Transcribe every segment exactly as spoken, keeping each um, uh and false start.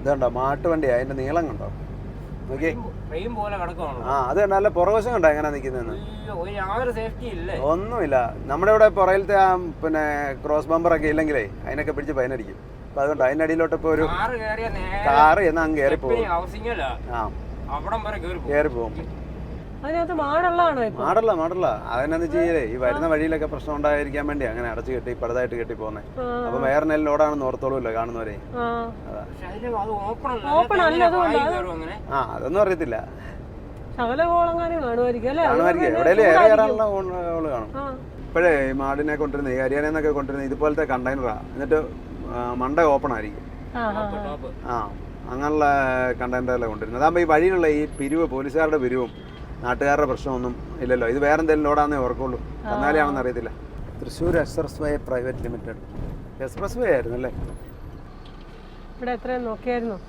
ഇതുണ്ടോ മാട്ടുവണ്ടി, അതിന്റെ നീളം കണ്ടോ നോക്കി. ആ അത് കണ്ടല്ല പുറവശം കണ്ടോ എങ്ങനെ നിൽക്കുന്നതെന്ന്. ഒന്നുമില്ല. നമ്മുടെ ഇവിടെ പുറകിലത്തെ ആ പിന്നെ ക്രോസ് ബമ്പറൊക്കെ ഇല്ലെങ്കിലേ അതിനൊക്കെ പിടിച്ച് ഫൈനടിക്കും. അപ്പൊ അതുകൊണ്ട് അതിന്റെ അടിയിലോട്ട് ഇപ്പൊ ഒരു കാറ് എന്നാ അങ്ങ് കയറി പോകും. ആ കയറി പോകും. മാടല്ല മാടല്ല അതെന്നാന്ന് ചെയ്യലേ ഈ വരുന്ന വഴിയിലൊക്കെ പ്രശ്നം ഉണ്ടായിരിക്കാൻ വേണ്ടി അങ്ങനെ അടച്ചു കെട്ടി പടുതായിട്ട് കെട്ടി പോന്നെ. അപ്പൊ വേറെ നെല്ല് ലോഡാണെന്ന് ഓർത്തോളൂല്ലോ കാണുന്നവരെ. ആ അതൊന്നും അറിയത്തില്ല. കാണുമായിരിക്കും എവിടെയെങ്കിലും ഏറെ കയറാനുള്ള ഓള് കാണും. ഇപ്പോഴേ ഈ മാടിനെ കൊണ്ടിരുന്ന ഈ ഹരിയാനന്നൊക്കെ കൊണ്ടിരുന്ന ഇതുപോലത്തെ കണ്ടെയ്നറാ. എന്നിട്ട് മണ്ട ഓപ്പൺ ആയിരിക്കും. ആ അങ്ങനെയുള്ള കണ്ടെയ്നറല്ലേ കൊണ്ടിരുന്നത്. അതാകുമ്പോൾ ഈ വഴിയിലുള്ള ഈ പിരിവ് പോലീസുകാരുടെ പിരിവും നാട്ടുകാരുടെ പ്രശ്നമൊന്നും ഇല്ലല്ലോ. ഇത് വേറെ എന്തെങ്കിലും ലോഡാന്നേ ഓർക്കുള്ളൂ. എന്നാലേ ആണെന്ന് അറിയത്തില്ല. Thrissur expressway private limited expressway ആയിരുന്നു അല്ലേ? ഇവിടെ എത്രയും നോക്കിയായിരുന്നു.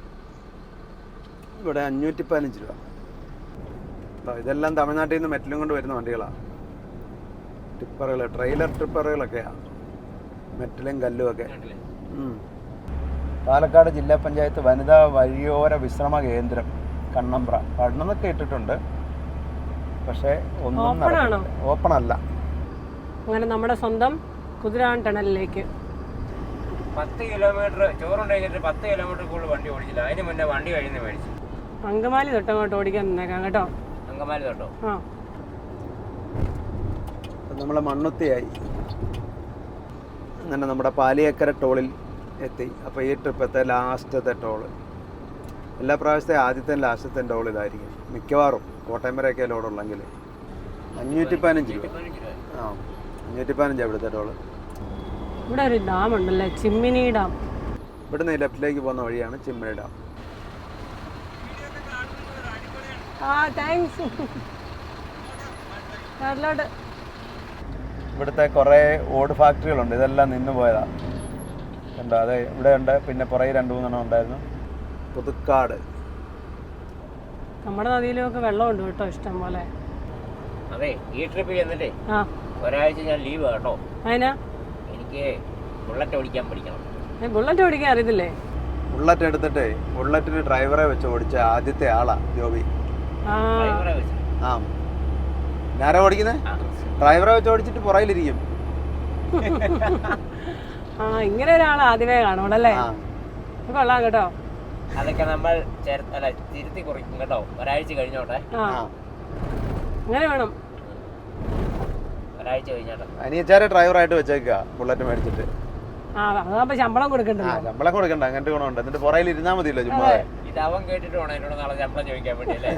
ഇവിടെ അഞ്ഞൂറ്റി പതിനഞ്ച് രൂപ. ഇതെല്ലാം തമിഴ്നാട്ടിൽ നിന്ന് മെറ്റലും കൊണ്ട് വരുന്ന വണ്ടികളാണ്. ടിപ്പറുകൾ, ട്രെയിലർ ട്രിപ്പറുകളൊക്കെയാണ്. മെറ്റലും കല്ലും ഒക്കെ. പാലക്കാട് ജില്ലാ പഞ്ചായത്ത് വനിതാ വഴിയോര വിശ്രമ കേന്ദ്രം കണ്ണമ്പ്ര. പഠനമൊക്കെ ഇട്ടിട്ടുണ്ട്, പക്ഷേ ഒന്നും ഓപ്പൺ അല്ല. അങ്ങനെ നമ്മുടെ സ്വന്തം കുതിരാൻ ടണലിലേക്ക് പത്ത് കിലോമീറ്റർ ചോറുണ്ടായിട്ട് പത്ത് കിലോമീറ്റർ കൂടുതൽ വണ്ടി ഓടിച്ചില്ല. അതിന് മുന്നേ വണ്ടി കഴിഞ്ഞ് മേടിച്ചു. അങ്കമാലി തൊട്ടങ്ങോട്ട് ഓടിക്കാൻ നിന്നേക്കാം കേട്ടോ. അങ്കമാലി തൊട്ടോ? ആ നമ്മളെ മണ്ണുത്തിയായി. അങ്ങനെ നമ്മുടെ പാലിയേക്കര ടോളിൽ എത്തി. അപ്പോൾ ഈ ട്രിപ്പത്തെ ലാസ്റ്റത്തെ ടോള് എല്ലാ പ്രാവശ്യത്തെ ആദ്യത്തെ ലാസ്റ്റത്തെ ടോളിലായിരിക്കും മിക്കവാറും. കോട്ടയം വരെയൊക്കെ ലോഡുള്ളെങ്കിൽ അഞ്ഞൂറ്റി പതിനഞ്ച് രൂപ. ആ അഞ്ഞൂറ്റി പതിനഞ്ചാണ് ഇവിടുത്തെ ടോള്. ഇവിടെ ഒരു ഡാം ഉണ്ടല്ലേ, ചിമ്മിനി ഡാം. ഇവിടുന്ന് ലെഫ്റ്റിലേക്ക് പോകുന്ന വഴിയാണ് ചിമ്മിനി ഡാം. ആ താങ്ക്സ്. ഇവിടുത്തെ കുറേ ഓട് ഫാക്ടറികളുണ്ട്. ഇതെല്ലാം നിന്ന് പോയതാണ്. ഉണ്ടോ? അതെ ഇവിടെ ഉണ്ട്. പിന്നെ പുറകെ രണ്ട് മൂന്നെണ്ണം ഉണ്ടായിരുന്നു. പുതുക്കാട്. നമ്മുടെ നദിയിലൊക്കെ വെള്ളമുണ്ട് കേട്ടോ ഇഷ്ടം പോലെ. അതെ ഈ ട്രിപ്പ് ചെന്നിട്ടേ ഒരാഴ്ച ഞാൻ ലീവ് കേട്ടോ. അതിനാ? എനിക്ക് ബുള്ളറ്റ് ഓടിക്കാൻ പഠിക്കണം. ബുള്ളറ്റ് ഓടിക്കാൻ അറിയത്തില്ലേ? ബുള്ളറ്റ് എടുത്തിട്ട് ബുള്ളറ്റിന് ഡ്രൈവറെ വെച്ച് ഓടിച്ച ആദ്യത്തെ ആളാ ജോബി. ഡ്രൈവറെ വെച്ച്? ആ ഞാനാ ഓടിക്കുന്നത്. ഡ്രൈവറെ വെച്ച് ഓടിച്ചിട്ട് പുറകിലിരിക്കും. ആ ഇങ്ങനെ ഒരാൾ ആദ്യമേ കാണുമല്ലേ? കൊള്ളാം കേട്ടോ. അതൊക്കെ നമ്മൾ തിരുത്തി കുറിക്കും കേട്ടോ. ഒരാഴ്ച കഴിഞ്ഞോട്ടെ. അങ്ങനെ വേണം. ഒരാഴ്ച കഴിഞ്ഞോട്ടെ. അനിയച്ചാരെ ഡ്രൈവറായിട്ട് വെച്ചേക്കുക ബുള്ളറ്റ് മേടിച്ചിട്ട്. ആ അതാകുമ്പോ ശമ്പളം കൊടുക്കണ്ട. ശമ്പളം കൊടുക്കണ്ട. അങ്ങനത്തെ ഗുണമുണ്ട്. എന്നിട്ട് പുറകിൽ ഇരുന്നാ മതിയല്ലോ ചുമ്മാ. ഇത് അവൻ കേട്ടിട്ട് വേണം എന്നോട് നാളെ ശമ്പളം ചോദിക്കാൻ വേണ്ടിയല്ലേ.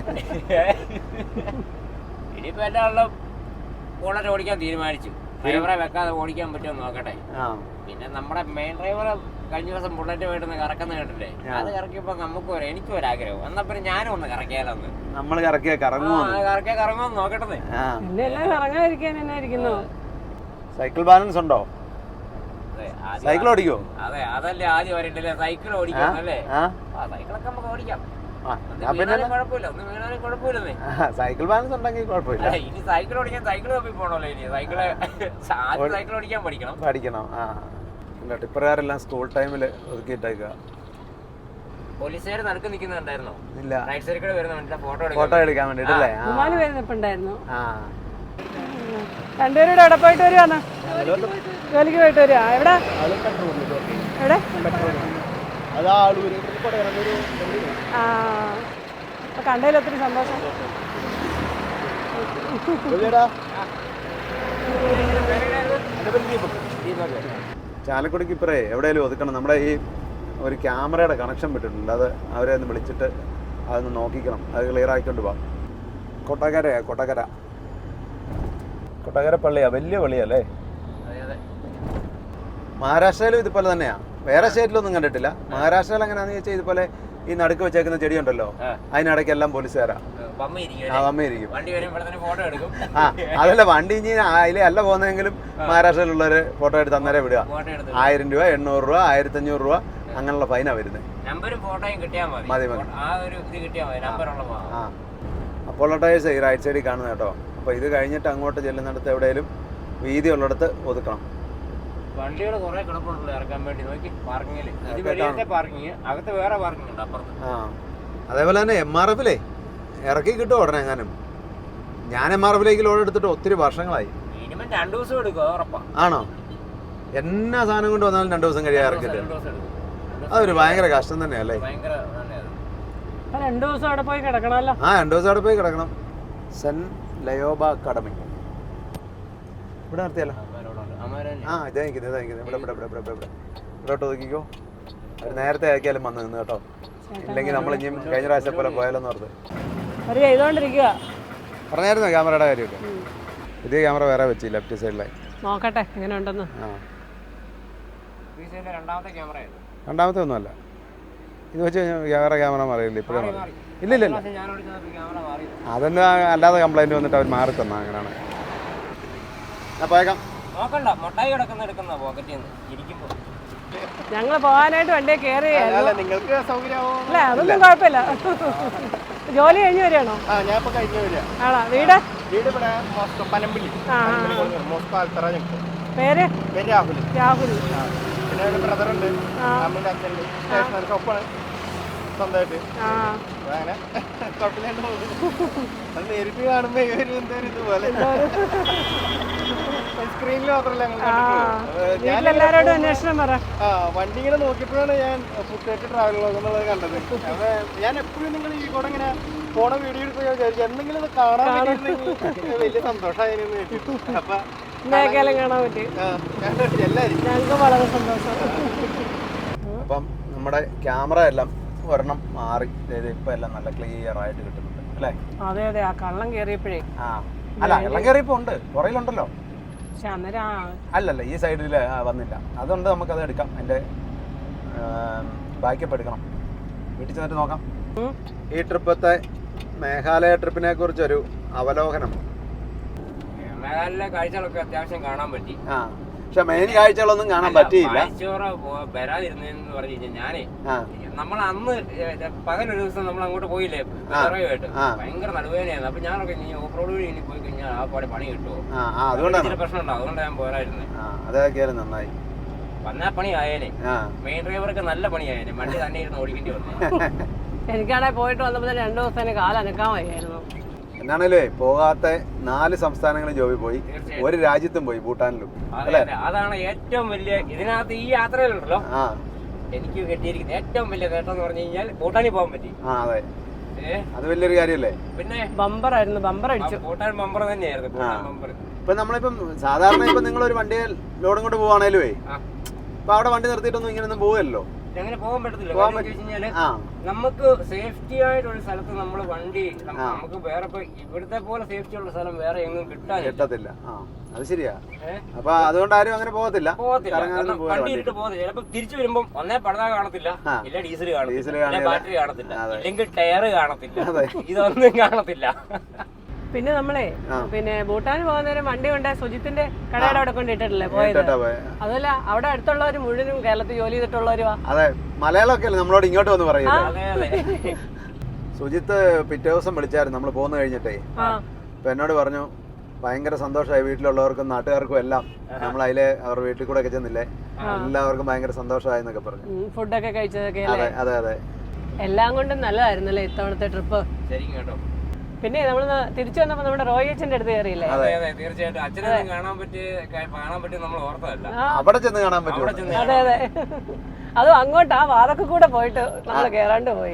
ഇനിയിപ്പോ എന്റെ ആളുടെ ബുള്ളറ്റ് ഓടിക്കാൻ തീരുമാനിച്ചു. ഡ്രൈവറെ വെക്കാതെ ഓടിക്കാൻ പറ്റുമോ നോക്കട്ടെ. പിന്നെ നമ്മുടെ മെയിൻ ഡ്രൈവറെ കഴിഞ്ഞ ദിവസം ബുള്ളറ്റ് പോയിട്ട് കറക്കുന്ന കേട്ടില്ലേ? അത് കറക്കിയപ്പോ നമുക്ക് ഒരു എനിക്കും ഒരാഗ്രഹം. എന്നാ പിന്നെ ഞാനും ഒന്ന് കറക്കിയാലൊന്ന്. നമ്മൾ കറക്കിയ കറങ്ങുമോ കറക്കിയ കറങ്ങുമോ നോക്കട്ടെ. കറങ്ങാതിരിക്കാൻ തന്നെ ഇരിക്കുന്നു. സൈക്കിൾ ബാലൻസ് ഉണ്ടോ? സൈക്കിൾ ഓടിക്കോ? അതെ അതല്ലേ ആദ്യം വരണ്ടല്ലേ സൈക്കിൾ ഓടിക്കാം അല്ലേ? ആ സൈക്കിളൊക്കെ നമുക്ക് ഓടിക്കാം. കുഴപ്പമില്ല. ഒന്നും വീണാലും കുഴപ്പമില്ലെന്നേ. സൈക്കിൾ ബാലൻസ് ഉണ്ടെങ്കിൽ കുഴപ്പമില്ല. ഇനി സൈക്കിൾ ഓടിക്കാൻ സൈക്കിൾ തപ്പി പോണല്ലോ. ഇനി സൈക്കിള് ആദ്യം സൈക്കിൾ ഓടിക്കാൻ പഠിക്കണം. പഠിക്കണം. ആ ടിപ്പറുകാരെല്ലാം സ്കൂൾ ടൈമിൽ ഒതുക്കിയിട്ടേക്കുക. പോലീസുകാർ നടുക്ക് നിൽക്കുന്നുണ്ടായിരുന്നോ? ഇല്ല. റൈറ്റ് സൈഡിൽ കൂടെ വരുന്ന ഫോട്ടോ ഫോട്ടോ എടുക്കാൻ വേണ്ടിട്ടല്ലേ? രണ്ടുപേരുടെ അവിടെ പോയിട്ട് വരുവാന്ന്. ജോലിക്ക് പോയിട്ട് വരുവാ. എവിടെ എവിടെ? ആ അപ്പൊ കണ്ടതിൽ ഒത്തിരി സന്തോഷം. ചാലക്കുടിക്ക് ഇപ്പറേ എവിടെയെങ്കിലും ഒതുക്കണം. നമ്മുടെ ഈ ഒരു ക്യാമറയുടെ കണക്ഷൻ വിട്ടിട്ടുണ്ട്. അത് അവരെ ഒന്ന് വിളിച്ചിട്ട് അതൊന്ന് നോക്കിക്കണം. അത് ക്ലിയർ ആക്കിക്കൊണ്ട് പോവാം. കൊട്ടകരയാ കൊട്ടകര. കൊട്ടകര പള്ളിയാ, വലിയ പള്ളിയല്ലേ? മഹാരാഷ്ട്രയിലും ഇതുപോലെ തന്നെയാ. വേറെ സ്റ്റേറ്റിലൊന്നും കണ്ടിട്ടില്ല. മഹാരാഷ്ട്രയിൽ എങ്ങനെയാണെന്ന് ചോദിച്ചാൽ ഇതുപോലെ ഈ നടുക്ക് വെച്ചേക്കുന്ന ചെടി ഉണ്ടല്ലോ, അതിനിടയ്ക്ക് എല്ലാം പോലീസുകാരാ. ആ വമ്മയിരിക്കും. ആ അതല്ല വണ്ടി ഇനി അതിലെ അല്ല പോകുന്നതെങ്കിലും മഹാരാഷ്ട്രയിലുള്ളവര് ഫോട്ടോ എടുത്ത് അന്നേരം വിടുക. ആയിരം രൂപ എണ്ണൂറ് രൂപ ആയിരത്തി അഞ്ഞൂറ് രൂപ അങ്ങനെയുള്ള ഫൈനാ വരുന്നത്. മതി മതി. ആ അപ്പോളോ ടയേഴ്സ് ഈ റൈറ്റ് സൈഡിൽ കാണുന്നത് കേട്ടോ. അപ്പോൾ ഇത് കഴിഞ്ഞിട്ട് അങ്ങോട്ട് ചെല്ലുന്നിടത്ത് എവിടെയെങ്കിലും വീതി ഉള്ളിടത്ത് ഒതുക്കണം. വണ്ടികൾ കുറെ കിടപ്പുണ്ടല്ലോ ഇറക്കാൻ വേണ്ടി നോക്കി പാർക്കിങ്ങില്. ഇത് വെളിയിലത്തെ പാർക്കിങ്, അകത്ത് വേറെ പാർക്കിംഗ് ഉണ്ട് അപ്പുറത്ത്. ആ അതേപോലെ തന്നെ എം ആർ എഫിലേ ഇറക്കി കിട്ടും ഉടനെ എങ്ങാനും. ഞാൻ എം ആർ എഫിലേക്ക് ലോഡ് എടുത്തിട്ട് ഒത്തിരി വർഷങ്ങളായി. മിനിമം രണ്ടു ദിവസം എടുക്കും, ഉറപ്പാ. ആണോ? എന്നാ സാധനം കൊണ്ട് വന്നാലും രണ്ടു ദിവസം കഴിയാൻ ഇറക്കിട്ട് അതൊരു ഭയങ്കര കഷ്ടം തന്നെയല്ലേ? ഭയങ്കര രണ്ടു ദിവസം അവിടെ പോയി കിടക്കണമല്ലോ. ആ രണ്ടു ദിവസം അവിടെ പോയി കിടക്കണം. സെന്റ് ലയോബ അക്കാഡമി ഇവിടെ നിർത്തിയല്ലോ. ആ ഇതാ നിൽക്കുന്നത്, ഇതാ നിൽക്കുന്നത്. ഇവിടെ ഇവിടെ ഇവിടെ ഇവിടെ ഇവിടെ ഇവിടോട്ട് നോക്കിക്കോ. അവർ നേരത്തെ ആക്കിയാലും വന്ന് നിന്ന് കേട്ടോ. ഇല്ലെങ്കിൽ നമ്മൾ ഇനിയും കഴിഞ്ഞ പ്രാവശ്യം പോലെ പോയാലോന്ന് ഓർത്ത് ഒരു ചെയ്തോണ്ടിരിക്കുക. പറഞ്ഞായിരുന്നു ക്യാമറയുടെ കാര്യമൊക്കെ. പുതിയ ക്യാമറ വേറെ വെച്ച് ലെഫ്റ്റ് സൈഡിലായി. നോക്കട്ടെ എങ്ങനെ ഉണ്ടെന്ന്. ആ രണ്ടാമത്തെ ക്യാമറ രണ്ടാമത്തെ ഒന്നുമല്ല, ഇത് വെച്ച് വേറെ ക്യാമറ മാറിയില്ല ഇപ്പോഴും. ഇല്ല ഇല്ല ഇല്ല അതെന്താ അല്ലാതെ കംപ്ലൈൻറ്റ് വന്നിട്ട് അവർ മാറി തന്നാ. അങ്ങനെയാണ്. ഞാൻ പോയേക്കാം. നോക്കണ്ട, മുട്ടായി കിടക്കുന്ന എടുക്കുന്ന പോക്കറ്റിൽ നിന്ന് ഇരിക്കുമ്പോ. ഞങ്ങൾ പോകാനായിട്ട് വണ്ടിയെ കയറി. നിങ്ങൾക്ക് സൗകര്യമാവോ? അല്ല അതൊന്നും കുഴപ്പമില്ല. ജോലി കഴിഞ്ഞ് വരികയാണോ? ആ ഞാൻ ഇപ്പൊ കഴിഞ്ഞു വരിക. ആണോ? വീട് വീട് ഇവിടെ മോസ്കോ പനമ്പള്ളി. മോസ്കോ ആൽത്തറ. പേര് പേര് രാഹുൽ. രാഹുൽ. പിന്നെ ഒരു ബ്രദറുണ്ട്, അമ്മയുടെ അച്ഛൻ്റെ സ്റ്റേഷനറി ഷോപ്പാണ് സ്വന്തമായിട്ട്. അങ്ങനെ കുഴപ്പമില്ലാണ്ട് പോകുന്നു. അത് നേരിട്ട് കാണുമ്പോ ഒരു എന്താ ഇതുപോലെ സ്ക്രീനിൽ മാത്രമല്ല ഞങ്ങൾ എല്ലാവരോടും അന്വേഷണം പറ. ആ വണ്ടി ഇങ്ങനെ നോക്കിയപ്പോഴാണ് ഞാൻ പുത്തേറ്റ് ട്രാവൽ വ്ളോഗ് എന്നുള്ളത് കണ്ടത്. അപ്പൊ ഞാൻ എപ്പോഴും നിങ്ങൾ ഈ കൂടെ ഇങ്ങനെ പോണ വീഡിയോ എടുക്കുക വിചാരിച്ചു എന്തെങ്കിലും ഇത് കാണാൻ പറ്റിയിരുന്നെങ്കിൽ വലിയ സന്തോഷമായിരുന്നു. അപ്പൊ മേഖല കാണാൻ പറ്റി. എല്ലാവരും ഞങ്ങൾക്ക് വളരെ സന്തോഷം. അപ്പം നമ്മുടെ ക്യാമറ എല്ലാം ഒരെണ്ണം മാറി ഇപ്പൊ എല്ലാം നല്ല ക്ലിയർ ആയിട്ട് കിട്ടുന്നുണ്ട് അല്ലേ? അതെ അതെ. ആ കള്ളം കയറിയപ്പോഴേ. ആ അല്ല കള്ളം കയറിയപ്പോ ഉണ്ട്, പുറയിലുണ്ടല്ലോ. പക്ഷെ അന്നേരം അല്ലല്ല ഈ സൈഡിൽ വന്നില്ല. അതുകൊണ്ട് നമുക്കത് എടുക്കാം. എൻ്റെ ബാക്കപ്പ് എടുക്കണം. വീട്ടിൽ ചെന്നിട്ട് നോക്കാം. ഈ ട്രിപ്പത്തെ മേഘാലയ ട്രിപ്പിനെ കുറിച്ചൊരു അവലോകനം. മേഘാലയ കാഴ്ചകളൊക്കെ അത്യാവശ്യം കാണാൻ പറ്റി. ആ പക്ഷെ മെയിൻ കാഴ്ചകളൊന്നും കാണാൻ പറ്റിയില്ല. വരാതിരുന്നെന്ന് പറഞ്ഞു കഴിഞ്ഞാൽ ഞാനേ നമ്മൾ അന്ന് പകലൊരു ദിവസം നമ്മൾ അങ്ങോട്ട് പോയില്ലേ വിറയുമായിട്ട്, ഭയങ്കര നടുവേദനയായിരുന്നു. അപ്പൊ ഞാനൊക്കെ ഇനി ഓഫ് റോഡ് വഴി ഇനി പോയി കഴിഞ്ഞാൽ ആ പാടെ പണി കിട്ടുമോ, അതുകൊണ്ടാണ് പ്രശ്നം ഉണ്ടാവും. അതുകൊണ്ട് ഞാൻ പോരായിരുന്നു. അതൊക്കെയാലും നന്നായി. വന്നാ പണി ആയേനെ. മെയിൻ ഡ്രൈവർക്ക് നല്ല പണിയായേനെ. വണ്ടി തന്നെ ഇരുന്ന് ഓടിക്കേണ്ടി വന്നു. എനിക്കാണെ പോയിട്ട് വന്നപ്പോ രണ്ടു ദിവസം കാലനക്കാൻ വയ്യായിരുന്നു. എന്നാണല്ലേ പോകാത്ത നാല് സംസ്ഥാനങ്ങളിൽ ജോബി പോയി, ഒരു രാജ്യത്തും പോയി, ഭൂട്ടാനിലും. അതാണ് ഏറ്റവും വലിയ ഇതിനകത്ത് ഈ യാത്രയിലുണ്ടല്ലോ എനിക്ക് കിട്ടിയിരിക്കുന്നത് ഏറ്റവും വലിയ നേട്ടം എന്ന് പറഞ്ഞു കഴിഞ്ഞാൽ ഭൂട്ടാനിൽ പോകാൻ പറ്റി. ആ അതെ, അത് വലിയൊരു കാര്യല്ലേ. പിന്നെ ബമ്പർ ആയിരുന്നു, ബമ്പർ അടിച്ചു. ഭൂട്ടാൻ ബമ്പർ തന്നെയായിരുന്നു. ഭൂട്ടാൻ ബമ്പർ. ഇപ്പൊ നമ്മളിപ്പം സാധാരണ ഇപ്പൊ നിങ്ങളൊരു വണ്ടിയെ ലോഡും കൊണ്ട് പോവാണേലുവേ അപ്പൊ അവിടെ വണ്ടി നിർത്തിയിട്ടൊന്നും ഇങ്ങനെയൊന്നും പോവല്ലോ. അങ്ങനെ പോകാൻ പറ്റത്തില്ല. നമുക്ക് സേഫ്റ്റി ആയിട്ടൊരു സ്ഥലത്ത് നമ്മൾ വണ്ടി നമുക്ക് വേറെ ഇവിടുത്തെ പോലെ സേഫ്റ്റി ഉള്ള സ്ഥലം വേറെ എങ്ങും കിട്ടാത്തില്ല. അത് ശരിയാ. അപ്പൊ അതുകൊണ്ട് ആരും അങ്ങനെ പോകത്തില്ല. വണ്ടി ഇട്ട് പോകത്തില്ല. ചിലപ്പോ തിരിച്ചു വരുമ്പോ ഒന്നേ പടതാ കാണത്തില്ല, ഇല്ല ഡീസൽ കാണത്തില്ല, ബാറ്ററി കാണത്തില്ല, ഇല്ലെങ്കിൽ ടയർ കാണത്തില്ല, ഇതൊന്നും കാണത്തില്ല. പിന്നെ നമ്മളെ പിന്നെ ഭൂട്ടാൻ പോകുന്നവരും വണ്ടി കൊണ്ട് സുജിത്തിന്റെ കടയുടെ അവിടെ കൊണ്ടിട്ടിട്ടില്ലേ പോയത്? അതല്ല, അവിടെ അടുത്തുള്ളവര് മുഴുവനും കേരളത്തിൽ ജോലി ചെയ്തിട്ടുള്ളവരുവാ. അതെ, മലയാളമൊക്കെ അല്ലേ നമ്മളോട് ഇങ്ങോട്ട് വന്ന് പറയുന്നത്. സുജിത്ത് പിറ്റേ ദിവസം വിളിച്ചായിരുന്നു നമ്മൾ പോന്നു കഴിഞ്ഞിട്ടേ. അപ്പൊ എന്നോട് പറഞ്ഞു ഭയങ്കര സന്തോഷമായി, വീട്ടിലുള്ളവർക്കും നാട്ടുകാർക്കും എല്ലാം. നമ്മൾ അതിലെ അവർ വീട്ടിൽ കൂടെ ഒക്കെ ചെന്നില്ലേ, എല്ലാവർക്കും ഭയങ്കര സന്തോഷമായി എന്നൊക്കെ പറഞ്ഞു. ഫുഡൊക്കെ കഴിച്ചതൊക്കെ. അതെ അതെ, എല്ലാം കൊണ്ടും നല്ലതായിരുന്നല്ലേ ഇത്തവണത്തെ ട്രിപ്പ്. ശരിക്കും കേട്ടോ. പിന്നെ നമ്മൾ തിരിച്ചു വന്നപ്പോ നമ്മുടെ റോയ് അച്ഛന്റെ അടുത്ത് കയറിയില്ലേ? തീർച്ചയായിട്ടും അച്ഛനെ കാണാൻ പറ്റി കാണാൻ പറ്റി നമ്മൾ ഓർത്തതല്ല. അവിടെ ചെന്ന് കാണാൻ പറ്റും. അതെ അതെ, അതും അങ്ങോട്ട് ആ വാതൊക്കെ കൂടെ പോയിട്ട് നമ്മൾ കേറാണ്ട് പോയി.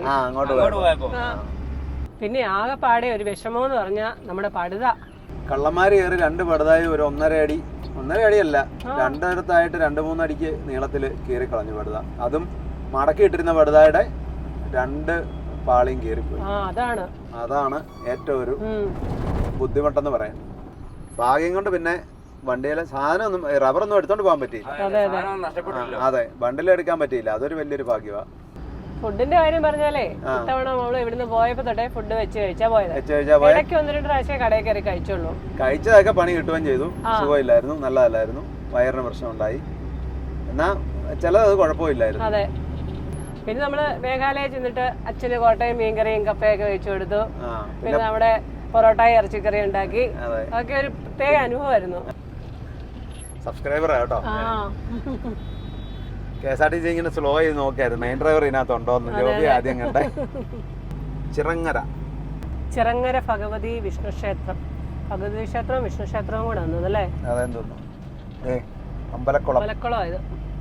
പിന്നെ ആകെ പാടെ ഒരു വിഷമോന്ന് പറഞ്ഞാ നമ്മുടെ പടുത. കള്ളന്മാര് കയറി രണ്ട് പടുതായി ഒരു ഒന്നര അടി ഒന്നര അടിയല്ല രണ്ടിടത്തായിട്ട് രണ്ട് മൂന്നടിക്ക് നീളത്തില് കീറി കളഞ്ഞു പടുത. അതും മടക്കി ഇട്ടിരുന്ന പടുതായുടെ രണ്ട് പാളിയും കീറിപ്പോയി. അതാണ് അതാണ് ഏറ്റവും ഒരു ബുദ്ധിമുട്ടെന്ന് പറയാൻ. ഭാഗ്യം കൊണ്ട് പിന്നെ വണ്ടിയിലെ സാധനം ഒന്നും റബ്ബറൊന്നും എടുത്തോണ്ട് പോകാൻ പറ്റിയില്ല. അതെ, ബണ്ടിൽ എടുക്കാൻ പറ്റിയില്ല. അതൊരു വലിയൊരു ഭാഗ്യമാണ്. ഫുഡിന്റെ കാര്യം പറഞ്ഞാലേ ഇത്തവണ നമ്മള് ഇവിടുന്ന് പോയപ്പോ തൊട്ടേ ഫുഡ് വെച്ച് കഴിച്ചാ പോയത്. ഇടയ്ക്ക് ഒന്ന് രണ്ട് പ്രാവശ്യം കടയിൽ കയറി കഴിച്ചുള്ളൂ. കഴിച്ചതൊക്കെ പണി കിട്ടുകയും ചെയ്തു. സുഖമില്ലായിരുന്നു, നല്ലതല്ലായിരുന്നു, വയറിന് പ്രശ്നം ഉണ്ടായി. എന്നാ ചിലത് കുഴപ്പമില്ലായിരുന്നു. അതെ. പിന്നെ നമ്മള് മേഘാലയ ചെന്നിട്ട് അച്ഛന് കോട്ടയം മീൻകറിയും കപ്പയൊക്കെ വെച്ചു കൊടുത്തു. പിന്നെ നമ്മുടെ പൊറോട്ടയും ഇറച്ചിക്കറി ഉണ്ടാക്കി. അതൊക്കെ ഒരു പ്രത്യേക അനുഭവമായിരുന്നു. സബ്സ്ക്രൈബറാ കേട്ടോ. ആ K S R T C ഇങ്ങനെ സ്ലോ ചെയ്ത് നോക്കിയായിരുന്നു മെയിൻ ഡ്രൈവർ ഇതിനകത്തുണ്ടോന്ന്. ജോബി ആദ്യം കണ്ടേ. ചിറങ്ങര ചിറങ്ങര ഭഗവതി വിഷ്ണു ക്ഷേത്രം. ഭഗവതി ക്ഷേത്രവും വിഷ്ണു ക്ഷേത്രവും കൂടെ വന്നത് അല്ലേ? അതെന്ന് തോന്നുന്നു. ഏ അമ്പലക്കുളം. അമ്പലക്കുളം ഇത്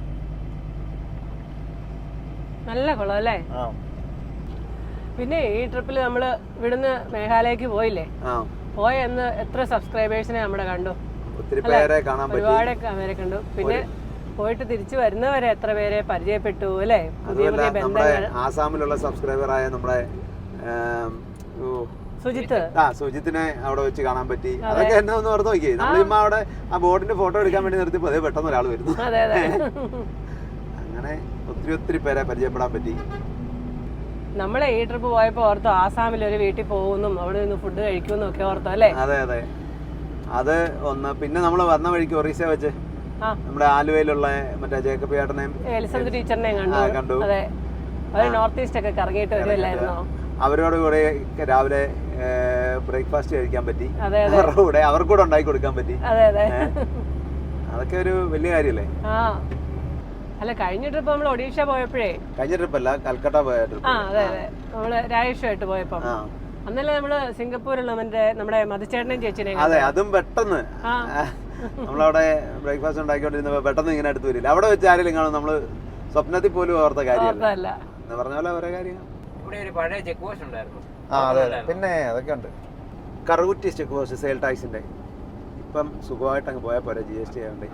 നല്ല കുളം അല്ലേ? പിന്നെ ഈ ട്രിപ്പിൽ നമ്മള് ഇവിടുന്ന് മേഘാലയക്ക് പോയില്ലേ? പോയ എന്ന് എത്ര സബ്സ്ക്രൈബേഴ്സിനെ നമ്മുടെ കണ്ടു. ഒത്തിരി പേരെ കാണാൻ പറ്റി. ഒരുപാട് പേരെ കണ്ടു. പിന്നെ പോയിട്ട് തിരിച്ചു വരുന്നവരെ എത്ര പേരെ പരിചയപ്പെട്ടു അല്ലേ? പുതിയ പുതിയ ബന്ധങ്ങൾ. ആസാമിലുള്ള സബ്സ്ക്രൈബറായ നമ്മുടെ സുജിത്ത് ആ സുജിത്തിനെ അവിടെ വെച്ച് കാണാൻ പറ്റി. അതൊക്കെ എന്നെ ഒന്ന് ഓർത്ത് നോക്കി. നമ്മളിമ്മ അവിടെ ആ ബോർഡിന്റെ ഫോട്ടോ എടുക്കാൻ വേണ്ടി നിർത്തിയപ്പോ അതേ പെട്ടെന്ന് ഒരാൾ വരുന്നു. അങ്ങനെ ഒത്തിരി ഒത്തിരി പേരെ പരിചയപ്പെടാൻ പറ്റി. നമ്മളെ ഈ ട്രിപ്പ് പോയപ്പോ ഓർത്തോ ആസാമിൽ ഒരു വീട്ടിൽ പോകുന്നു, അവിടെ നിന്ന് ഫുഡ് കഴിക്കുമെന്നും ഒക്കെ ഓർത്തോ അല്ലേ? അതെ അതെ അത് ഒന്ന്. പിന്നെ നമ്മൾ വന്ന വഴിക്ക് ഒറീസ വെച്ച് നമ്മുടെ ആലുവയിലുള്ള മറ്റേ ജേക്കബ് ചേട്ടനെയും എലിസബത്ത് ടീച്ചറിനെയും കണ്ടു. അതെ, അവര് നോർത്ത് ഈസ്റ്റ് ഒക്കെ കറങ്ങിയിട്ട് വരുമല്ലായിരുന്നോ? അവരോട് കൂടെ രാവിലെ ബ്രേക്ക്ഫാസ്റ്റ് കഴിക്കാൻ പറ്റി. അവരുടെ കൂടെ അവർക്ക് കൂടെ ഉണ്ടാക്കി കൊടുക്കാൻ പറ്റി. അതെ അതെ അതൊക്കെ ഒരു വലിയ കാര്യല്ലേ? ആ അല്ല, കഴിഞ്ഞ ട്രിപ്പ് നമ്മൾ ഒഡീഷ പോയപ്പോഴേ, കഴിഞ്ഞ ട്രിപ്പ് അല്ല കൽക്കട്ട പോയ ട്രിപ്പ്. ആ അതെ അതെ നമ്മള് രാജേഷുമായിട്ട് പോയപ്പോ അന്നല്ലേ നമ്മള് സിംഗപ്പൂരിലുള്ള മറ്റേ നമ്മുടെ മധുചേട്ടനെയും ചേച്ചിനെയും. അതെ, അതും പെട്ടെന്ന് നമ്മളവിടെ ബ്രേക്ക്ഫാസ്റ്റ് ഉണ്ടാക്കിക്കൊണ്ടിരുന്നപ്പോ പെട്ടെന്ന് ഇങ്ങനെ അടുത്ത് വരില്ല. അവിടെ വെച്ച് ആരെങ്കിലും കാണും നമ്മള് സ്വപ്നത്തിൽ പോലും ഓർത്ത കാര്യമല്ല എന്ന് പറഞ്ഞ പോലെ ഓരോ കാര്യങ്ങൾ. ഇവിടെ ഒരു പഴയ ചെക്ക് പോസ്റ്റ് ഉണ്ടായിരുന്നു. ആ അതെ പിന്നെ അതൊക്കെ ഉണ്ട്. കറുകുറ്റി ചെക്ക് പോസ്റ്റ് സെയിൽ ടാക്സിന്റെ. ഇപ്പം സുഖമായിട്ട് അങ്ങ് പോയാൽ പോരാ, ജി എസ് ടി ആയതുകൊണ്ട്.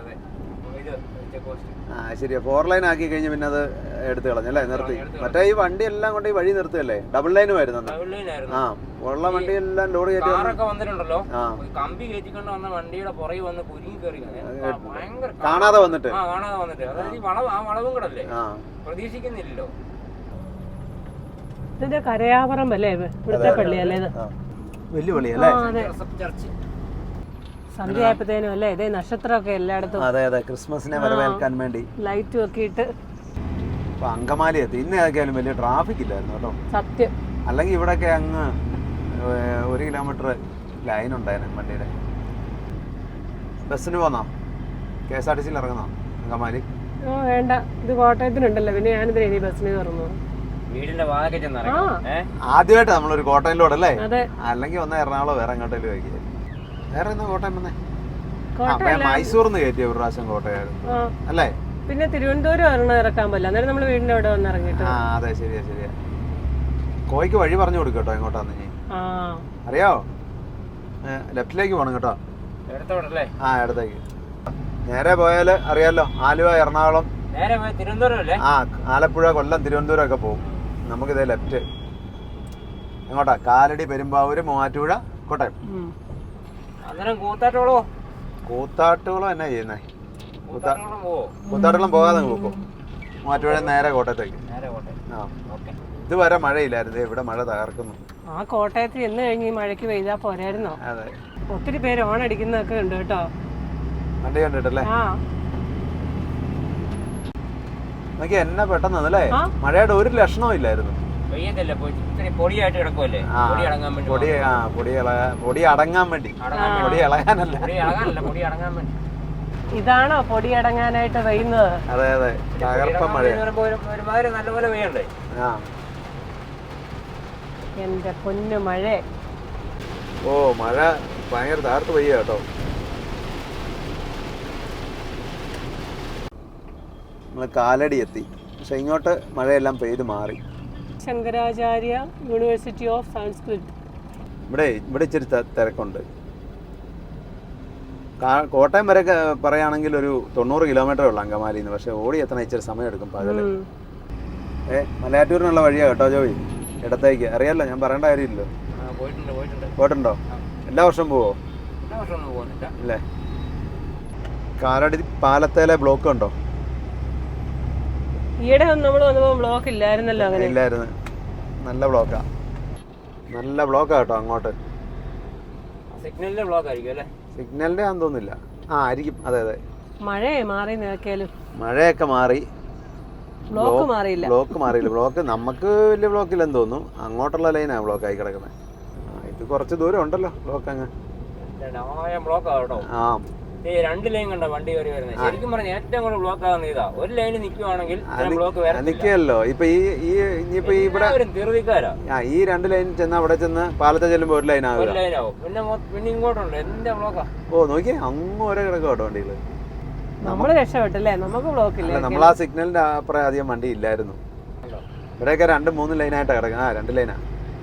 ആ ശരിയാ, ഫോർ ലൈൻ ആക്കി കഴിഞ്ഞ് പിന്നെ അത് എടുത്തു കളഞ്ഞല്ലേ, നിർത്തി. മറ്റേ ഈ വണ്ടി എല്ലാം കൊണ്ട് ഈ വഴി നിർത്തുകയല്ലേ, ഡബിൾ ലൈനും ആയിരുന്നു. ആ ഉള്ള വണ്ടി എല്ലാം ലോഡ് കയറ്റി വന്നിട്ടുണ്ടല്ലോ, കമ്പി കയറ്റിക്കൊണ്ട് വന്ന വണ്ടിയുടെ പുറകെ വന്ന് കുരുങ്ങി കയറി കാണാതെ വന്നിട്ട് കാണാതെ വന്നിട്ട് അതായത് വളവ് ആ വളവും കൂടെ അല്ലേ, പ്രതീക്ഷിക്കുന്നില്ലല്ലോ. ഇതിന്റെ കരയാപുരം അല്ലേ ഇവിടുത്തെ പള്ളി അല്ലേ? ഇത് വലിയ പള്ളിയല്ലേ? ചർച്ച്. സന്ധ്യ ആയപ്പോഴത്തേനും അല്ലേ ഇതേ നക്ഷത്രമൊക്കെ എല്ലായിടത്തും. അതെ അതെ, ക്രിസ്മസിനെ വരവേൽക്കാൻ വേണ്ടി ലൈറ്റും ഒക്കെ ഇട്ട്. ഇപ്പൊ അങ്കമാലി എത്തി. ഇന്ന് ഏതൊക്കെയാലും വലിയ ട്രാഫിക് ഇല്ലായിരുന്നു കേട്ടോ. സത്യം. അല്ലെങ്കിൽ ഇവിടെയൊക്കെ അങ്ങ് ഒരു കിലോമീറ്റർ ലൈൻ ഉണ്ടായിരുന്നു വണ്ടിയുടെ. ബസ്സിന് പോന്നോ? കെ എസ് ആർ ടി സിയിൽ ഇറങ്ങുന്നോ അങ്കമാലി? ഓ വേണ്ട, ഇത് കോട്ടയത്തിനുണ്ടല്ലോ, പിന്നെ ഞാനിതിന് ഇനി ബസ്സിന് കയറുന്നു. വീടിന്റെ വാതൊക്കെ ആദ്യമായിട്ട് നമ്മളൊരു കോട്ടയിലൂടെ അല്ലേ? അല്ലെങ്കിൽ വന്ന എറണാകുളം വേറെ എങ്ങോട്ടേലും ആയിരിക്കും. വേറെ എന്നാ കോട്ടയം വന്നേ? മൈസൂർന്ന് കയറ്റിയ ഒരു പ്രാവശ്യം കോട്ടയായിരുന്നു അല്ലേ? പിന്നെ തിരുവനന്തപുരം ഒരെണ്ണം ഇറക്കാൻ പറ്റില്ല, അന്നേരം നമ്മൾ വീടിന്റെ അവിടെ വന്ന് ഇറങ്ങിട്ട്. ആ അതെ ശരിയാ ശരിയാ. കോയിക്ക് വഴി പറഞ്ഞു കൊടുക്കും കേട്ടോ എങ്ങോട്ടാന്ന്. നീ അറിയാവോ? ലെഫ്റ്റിലേക്ക് പോണം കേട്ടോ. ആ ഇടത്തേക്ക് നേരെ പോയാല് അറിയാലോ, ആലുവ എറണാകുളം ആ ആലപ്പുഴ കൊല്ലം തിരുവനന്തപുരം ഒക്കെ പോകും. നമുക്കിതേ ലെഫ്റ്റ് എങ്ങോട്ടാ? കാലടി പെരുമ്പാവൂര് മൂവാറ്റുപുഴ കോട്ടയം. കൂത്താട്ടോളോ? കൂത്താട്ടുകുളം എന്നാ ചെയ്യുന്നേ? കൂത്താട്ടുകുളം പോകാതെ പോകും. മൂവാറ്റുപുഴ നേരെ കോട്ടയത്തേക്ക്. ആ ഇതുവരെ മഴയില്ലായിരുന്നു, ഇവിടെ മഴ തകർക്കുന്നു. ആ കോട്ടയത്ത് എന്ന് കഴിഞ്ഞ് മഴയ്ക്ക് പെയ്താ പോരായിരുന്നോ? അതെ, ഒത്തിരി പേര് ഓണടിക്കുന്നതൊക്കെ ഉണ്ട് കേട്ടോ. വണ്ടി കണ്ടിട്ടല്ലേ? നോക്കി എന്നെ പെട്ടെന്ന് അല്ലേ, മഴയുടെ ഒരു ലക്ഷണവും ഇല്ലായിരുന്നു. പൊടി പൊടി അടങ്ങാൻ വേണ്ടി, പൊടി ഇളകാനല്ല. ഇതാണോ പൊടി അടങ്ങാനായിട്ട് പെയ്യുന്നത്? അതെ അതെ, തകർപ്പ മഴ. നല്ലപോലെ പെയ്യണ്ടേ? ആ എന്റെ പൊന്നു മഴ. ഓ മഴ ഭയങ്കര തകർത്ത് പെയ്യ കേട്ടോ. നമ്മള് കാലടി എത്തി, പക്ഷെ ഇങ്ങോട്ട് മഴയെല്ലാം പെയ്ത് മാറി. Shankaracharya university of Sanskrit. ഇവിടെ ഇവിടെ ഇച്ചിരി തിരക്കുണ്ട്. കോട്ടയം വരെ പറയുകയാണെങ്കിൽ ഒരു തൊണ്ണൂറ് കിലോമീറ്ററേ ഉള്ളൂ അങ്കമാലിയിൽ നിന്ന്. പക്ഷെ ഓടി എത്തണം ഇച്ചിരി സമയം എടുക്കും പകല്. ഏ മലയാറ്റൂരിനുള്ള വഴിയാ കേട്ടോ ജോയി, ഇടത്തേക്ക്. അറിയാലോ, ഞാൻ പറയേണ്ട കാര്യമില്ലല്ലോ. പോയിട്ടുണ്ടോ? എല്ലാ വർഷവും പോവോ? ഇല്ലേ? കാലടി പാലത്തേലെ ബ്ലോക്ക് ഉണ്ടോ? ഈയിടെ നമ്മൾ വന്നപ്പോ ബ്ലോക്ക് ഇല്ലായിരുന്നല്ലോ. അങ്ങനെ ഇല്ലായിരുന്നു, നല്ല ബ്ലോക്കാ, നല്ല ബ്ലോക്കാ കേട്ടോ അങ്ങോട്ട്. സിഗ്നലിന്റെ ബ്ലോക്ക് ആയിരിക്കും അല്ലേ? സിഗ്നലിന്റെ ആണെന്ന് തോന്നുന്നില്ല. ആ ആയിരിക്കും, അതെ അതെ. മഴയെ മാറി നോക്കിയാലും മഴയൊക്കെ മാറി, ബ്ലോക്ക് മാറിയില്ല. ബ്ലോക്ക് മാറിയില്ല. ബ്ലോക്ക് നമുക്ക് വലിയ ബ്ലോക്കില്ലെന്ന് തോന്നുന്നു. അങ്ങോട്ടുള്ള ലൈനാണ് ബ്ലോക്ക് ആയി കിടക്കുന്നത്. ഇത് കുറച്ച് ദൂരം ഉണ്ടല്ലോ ബ്ലോക്ക് അങ്ങ്. ബ്ലോക്ക് ആ ഈ രണ്ട് ലൈൻ കണ്ട വണ്ടി കയറി വരുന്നത്. ശരിക്കും പറഞ്ഞാൽ ഏറ്റവും കൂടുതൽ ബ്ലോക്ക് ആകുന്ന ഇതാ. ഒരു ലൈനിൽ നിൽക്കുവാണെങ്കിൽ ബ്ലോക്ക് നിൽക്കുകയല്ലോ. ഇപ്പൊ ഈ ഈ ഇനിയിപ്പോ ഇവിടെ തീർവിക്കാരാ ഈ രണ്ട് ലൈൻ ചെന്ന് അവിടെ ചെന്ന് പാലത്തെ ചെല്ലുമ്പോ ഒരു ലൈൻ ആവും. ഒരു ലൈനാവും. പിന്നെ പിന്നെ ഇങ്ങോട്ടുണ്ട് എന്താ ബ്ലോക്കാ. ഓ നോക്കിയേ അങ്ങ് ഓരോ കിടക്കും കേട്ടോ വണ്ടികള്. നമ്മള് രക്ഷപ്പെട്ടല്ലേ, നമുക്ക് ബ്ലോക്ക് ഇല്ല. നമ്മൾ ആ സിഗ്നലിന്റെ അപ്പുറം അധികം വണ്ടി ഇല്ലായിരുന്നു. ഇവിടെയൊക്കെ രണ്ട് മൂന്ന് ലൈനായിട്ടാ കിടക്കുന്നത്. ആ രണ്ട് ലൈനാ.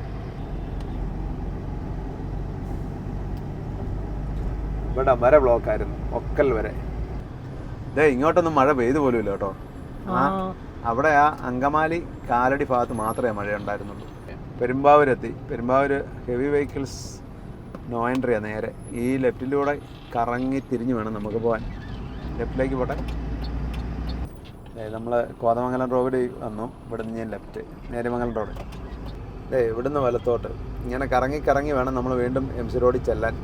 ഇവിടെ വരെ ബ്ലോക്ക് ആയിരുന്നു, ഒക്കൽ വരെ. ഇതേ ഇങ്ങോട്ടൊന്നും മഴ പെയ്തു പോലും ഇല്ല കേട്ടോ. ആ അവിടെ ആ അങ്കമാലി കാലടി ഭാഗത്ത് മാത്രമേ മഴ ഉണ്ടായിരുന്നുള്ളൂ. പെരുമ്പാവൂരെത്തി. പെരുമ്പാവൂർ ഹെവി വെഹിക്കിൾസ് നോ എൻട്രിയാ. നേരെ ഈ ലെഫ്റ്റിലൂടെ കറങ്ങി തിരിഞ്ഞു വേണം നമുക്ക് പോകാൻ. ലെഫ്റ്റിലേക്ക് പോട്ടെ. നമ്മൾ കോതമംഗലം റോഡ് വന്നു. ഇവിടെ നിന്ന് ഞാൻ ലെഫ്റ്റ് നേര്യമംഗലം റോഡ്. ഏ ഇവിടുന്ന് വലത്തോട്ട് ഇങ്ങനെ കറങ്ങി കറങ്ങി വേണം നമ്മൾ വീണ്ടും എം സി റോഡിൽ ചെല്ലാൻ.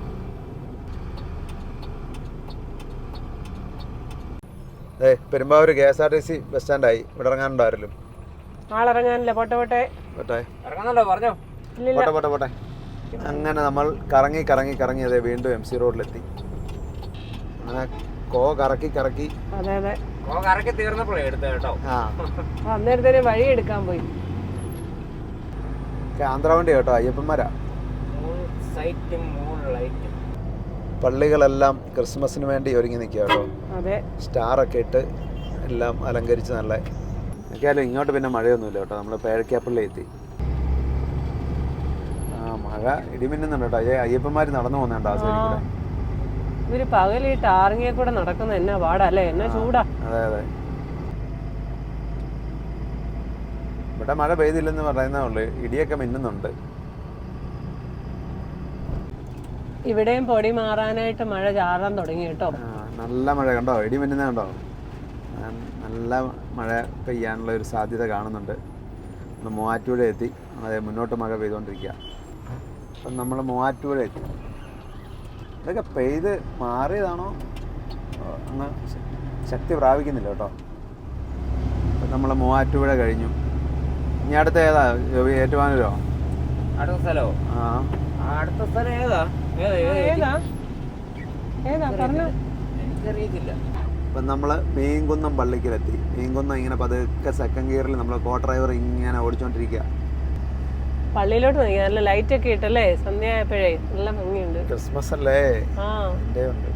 ഏ Perumbavoor K S R T C bus സ്റ്റാൻഡായി. ഇവിടെ ഇറങ്ങാനുണ്ടായിരുന്നു. ആളിറങ്ങാനില്ല. പോട്ടെ പോട്ടെ പോട്ടെ ഇറങ്ങാനല്ലോ പറഞ്ഞോ. പോട്ടെ പോട്ടെ പോട്ടെ. അങ്ങനെ നമ്മൾ കറങ്ങി കറങ്ങി കറങ്ങി അതെ വീണ്ടും എം സി റോഡിലെത്തി. അങ്ങനെ കോ കറക്കി കറക്കി അതെ അതെ കറക്കി തീർന്നപ്പോഴേ എടുത്ത കേട്ടോ. ആ അന്നേരത്തേന് വഴി എടുക്കാൻ പോയി. ആന്ധ്ര വണ്ടി കേട്ടോ, അയ്യപ്പന്മാരാ. പള്ളികളെല്ലാം ക്രിസ്മസിന് വേണ്ടി ഒരുങ്ങി നിൽക്കുക കേട്ടോ. സ്റ്റാറൊക്കെ ഇട്ട് എല്ലാം അലങ്കരിച്ച് നല്ല. ഒക്കെയാലും ഇങ്ങോട്ട് പിന്നെ മഴയൊന്നുമില്ല കേട്ടോ. നമ്മൾ പേഴക്കാപ്പള്ളി എത്തി. ആ മഴ ഇടിമിന്നുന്നുണ്ട് കേട്ടോ. അയ്യ അയ്യപ്പന്മാർ നടന്നു പോകുന്നുണ്ട് ആ സൈഡിൽ കൂടെ. ഇവര് പകല് ഈ ടാറിങ്ങിയെ കൂടെ നടക്കുന്ന എന്നാ പാടല്ലേ, എന്നാ ചൂടാ. അതെ അതെ. ഇവിടെ മഴ പെയ്തില്ലെന്ന് പറയുന്നേ ഉള്ളു. ഇടിയൊക്കെ മിന്നുന്നുണ്ട്. ഇവിടെയും പൊടി മാറാനായിട്ട് മഴ ചാറാൻ തുടങ്ങി കേട്ടോ. നല്ല മഴ കണ്ടോ, ഇടി മിന്നുന്ന കണ്ടോ. നല്ല മഴ പെയ്യാനുള്ള ഒരു സാധ്യത കാണുന്നുണ്ട്. നമ്മൾ മൂവാറ്റുപുഴ എത്തി. അതെ മുന്നോട്ട് മഴ പെയ്തുകൊണ്ടിരിക്കുക. അപ്പം നമ്മൾ മൂവാറ്റുപുഴ എത്തി. ഇതൊക്കെ പെയ്ത് മാറിയതാണോ അങ്ങ് ശക്തി പ്രാപിക്കുന്നില്ല കേട്ടോ. അപ്പം നമ്മൾ മൂവാറ്റുപുഴ കഴിഞ്ഞു. ഇനി അടുത്ത ഏതാ ഏറ്റുമാനൂരോ? അടുത്ത സ്ഥലമോ? ആ അടുത്ത സ്ഥലം ഏതാ? ഏതാ ഏതാ പറഞ്ഞു എനിക്കറിയത്തില്ല. അപ്പം നമ്മൾ മീൻകുന്നം പള്ളിക്കലെത്തി. മീൻകുന്നം ഇങ്ങനെ പതുക്കെ സെക്കൻഡ് ഗിയറിൽ നമ്മൾ കോ ഡ്രൈവർ ഇങ്ങനെ ഓടിച്ചോണ്ടിരിക്കുക. പള്ളിയിലോട്ട് നോക്കി നല്ല ലൈറ്റ് ഒക്കെ ഇട്ടല്ലേ, സന്ധ്യ ആയപ്പോഴേ നല്ല ഭംഗിയുണ്ട്. ക്രിസ്മസ് അല്ലേ? ആ എൻ്റെ ഉണ്ട്.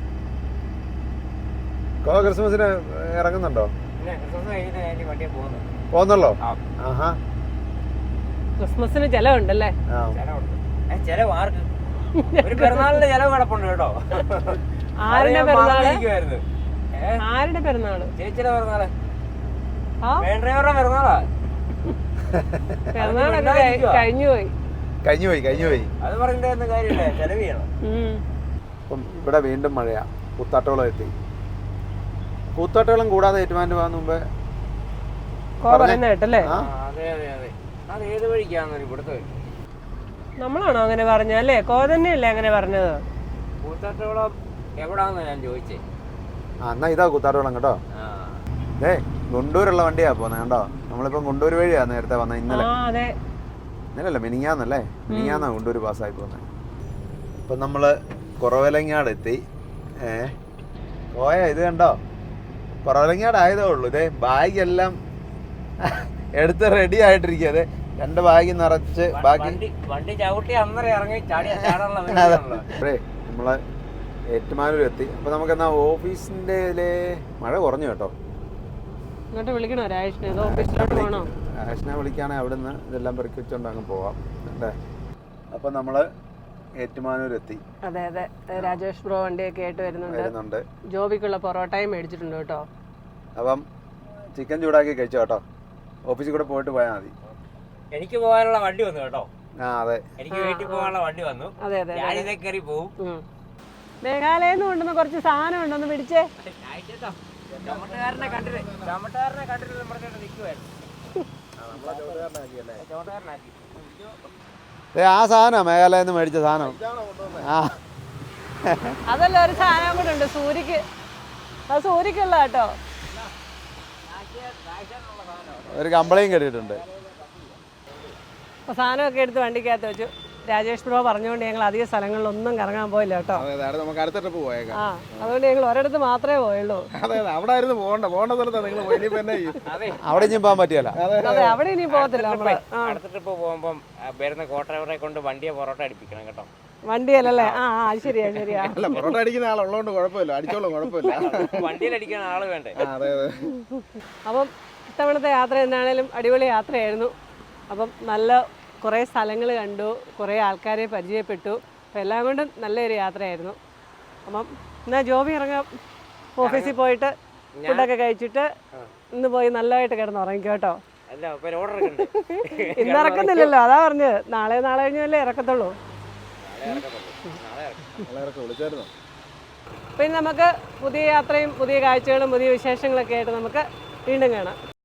കോ ക്രിസ്മസിന് ഇറങ്ങുന്നുണ്ടോ? പോന്നല്ലോ. ആഹാ ക്രിസ്മസിന് ചെലവുണ്ടല്ലേ? ചെലവ് ആർക്ക്? ഒരു പെരുന്നാളിന്റെ ചെലവ് കിടപ്പുണ്ട് കേട്ടോ. ആരുടെ പെരുന്നാള്? ആരുടെ പെരുന്നാള്? ചേച്ചിയുടെ പെരുന്നാള്. ഡ്രൈവറുടെ പെരുന്നാളാ. പെരുന്നാളൊക്കെ കഴിഞ്ഞുപോയി കഴിഞ്ഞുപോയി കഴിഞ്ഞുപോയി അത് പറഞ്ഞിട്ട് കാര്യമില്ല, ചെലവ് ചെയ്യണം. അപ്പം ഇവിടെ വീണ്ടും മഴയാ. കൂത്താട്ടോളം എത്തി. കൂത്താട്ടോളം കൂടാതെ ഏറ്റുമാനൂർ പോകുന്ന മുമ്പേ കേട്ടല്ലേ? അതെ അതെ അതെ. അത് ഏത് വഴിക്കാന്ന് ഇവിടുത്തെ? നമ്മളാണോ അങ്ങനെ പറഞ്ഞല്ലേ? കോ തന്നെയല്ലേ അങ്ങനെ പറഞ്ഞത്? കൂത്താട്ടോളം എവിടാന്ന് ഞാൻ ചോദിച്ചേ. ആ എന്നാ ഇതാ കൂത്താട്ടോളം കേട്ടോ. ഏ ഗുണ്ടൂരുള്ള വണ്ടിയാ പോകുന്നത് കണ്ടോ. നമ്മളിപ്പം ഗുണ്ടൂർ വഴിയാ നേരത്തെ വന്നത്. ഇന്നലെ ഇന്നലല്ല മിനിങ്ങാന്നല്ലേ? മിനിങ്ങാന്നാ ഗുണ്ടൂർ പാസ്സായി പോകുന്നത്. ഇപ്പം നമ്മൾ കുറവലങ്ങാട് എത്തി. ഏ പോയ ഇത് കണ്ടോ, കുറവലങ്ങാട് ആയതേ ഉള്ളൂ. ഇതേ ബാഗ് എല്ലാം എടുത്ത് റെഡി ആയിട്ടിരിക്കുക. അതെ രണ്ട് ബാഗ് നിറച്ച് ബാക്കി വണ്ടി ചവിട്ടി അന്നേരം ഇറങ്ങി അതെ നമ്മള് ഏറ്റുമാനൂർ എത്തി. അപ്പൊ നമുക്ക് എന്നാ ഓഫീസിന്റെ ഇതിലെ മഴ കുറഞ്ഞു കേട്ടോ. ഇങ്ങോട്ട് വിളിക്കണോ രാജേഷിനെ? ഓഫീസിലോട്ട് പോകണോ? രാജേഷിനെ വിളിക്കുകയാണെങ്കിൽ അവിടെ നിന്ന് ഇതെല്ലാം പെറുക്കി വെച്ചോണ്ട് അങ്ങ് പോവാം അല്ലേ. അപ്പൊ നമ്മള് ഏറ്റുമാനൂർ എത്തി. അതെ അതെ. രാജേഷ് ബ്രോ വണ്ടിയൊക്കെ ആയിട്ട് വരുന്നുണ്ട്. ജോബിക്കുള്ള പൊറോട്ടയും മേടിച്ചിട്ടുണ്ട് കേട്ടോ. അപ്പം ചിക്കൻ ചൂടാക്കി കഴിച്ചോ കേട്ടോ. ഓഫീസിൽ കൂടെ പോയിട്ട് പോയാൽ മതി. എനിക്ക് പോകാനുള്ള വണ്ടി വന്നു കേട്ടോ. ആ അതെ, എനിക്ക് വീട്ടിൽ പോകാനുള്ള വണ്ടി വന്നു. അതെ അതെ. ഞാനിതേ കയറി പോവും. മേഘാലയെന്ന് കൊണ്ടുവന്ന കുറച്ച് സാധനം ഉണ്ടെന്ന് പിടിച്ചേ. ചുമട്ടുകാരനെ കണ്ടിട്ട് ചുമട്ടുകാരനെ കണ്ടിട്ട് നമ്മുടെ നിൽക്കുവായിരുന്നു. ആ സാധനം മേഘാലയെന്ന് മേടിച്ച സാധനം. ആ അതല്ല ഒരു സാധനം കൂടെ ഉണ്ട് സൂര്യക്ക്. അത് സൂര്യക്കുള്ള കേട്ടോ. ഒരു കമ്പളയും കെട്ടിയിട്ടുണ്ട്. സാധനമൊക്കെ എടുത്ത് വണ്ടിക്കകത്ത് വെച്ചു. രാജേഷ് ബ്രോ പറഞ്ഞുകൊണ്ട് ഞങ്ങൾ അധിക സ്ഥലങ്ങളിലൊന്നും കറങ്ങാൻ പോയില്ല കേട്ടോ. അതെ അതെ നമുക്ക് അടുത്ത ട്രിപ്പ് പോയേക്കാം. ആ അതുകൊണ്ട് ഞങ്ങൾ ഒരിടത്ത് മാത്രമേ പോയുള്ളൂ. അതെ അതെ അവിടെ ആയിരുന്നു പോകണ്ട പോകേണ്ട സ്ഥലത്താണ് നിങ്ങൾ പോയി തന്നെ അവിടെ ഇനിയും പോകാൻ പറ്റിയല്ല. അതെ അവിടെ ഇനി പോകത്തില്ല നമ്മള്. അടുത്ത ട്രിപ്പ് പോകുമ്പം വരുന്ന കോ ഡ്രൈവറെ കൊണ്ട് വണ്ടിയെ പൊറോട്ട അടിപ്പിക്കണം കേട്ടോ. വണ്ടിയല്ലേ? ആ ആ ശരിയാ ശരിയാ. അല്ല പൊറോട്ട അടിക്കുന്ന ആളുള്ളതുകൊണ്ട് കുഴപ്പമില്ല, അടിച്ചോളും കുഴപ്പമില്ല. വണ്ടിയിൽ അടിക്കാൻ ആള് വേണ്ടേ? അതെ അതെ. അപ്പം ഇത്തവണത്തെ യാത്ര എന്താണേലും അടിപൊളി യാത്രയായിരുന്നു. അപ്പം നല്ല കുറേ സ്ഥലങ്ങൾ കണ്ടു, കുറേ ആൾക്കാരെ പരിചയപ്പെട്ടു. അപ്പം എല്ലാം കൊണ്ടും നല്ലൊരു യാത്രയായിരുന്നു. അപ്പം എന്നാൽ ജോബി ഇറങ്ങാം, ഓഫീസിൽ പോയിട്ട് ഫുഡൊക്കെ കഴിച്ചിട്ട് ഇന്ന് പോയി നല്ലതായിട്ട് കിടന്ന് ഉറങ്ങിക്കോ കേട്ടോ. ഇന്ന് ഇറക്കുന്നില്ലല്ലോ, അതാ പറഞ്ഞത്. നാളെ നാളെ കഴിഞ്ഞല്ലേ ഇറക്കത്തുള്ളൂ. പിന്നെ നമുക്ക് പുതിയ യാത്രയും പുതിയ കാഴ്ചകളും പുതിയ വിശേഷങ്ങളൊക്കെ ആയിട്ട് നമുക്ക് വീണ്ടും കാണാം.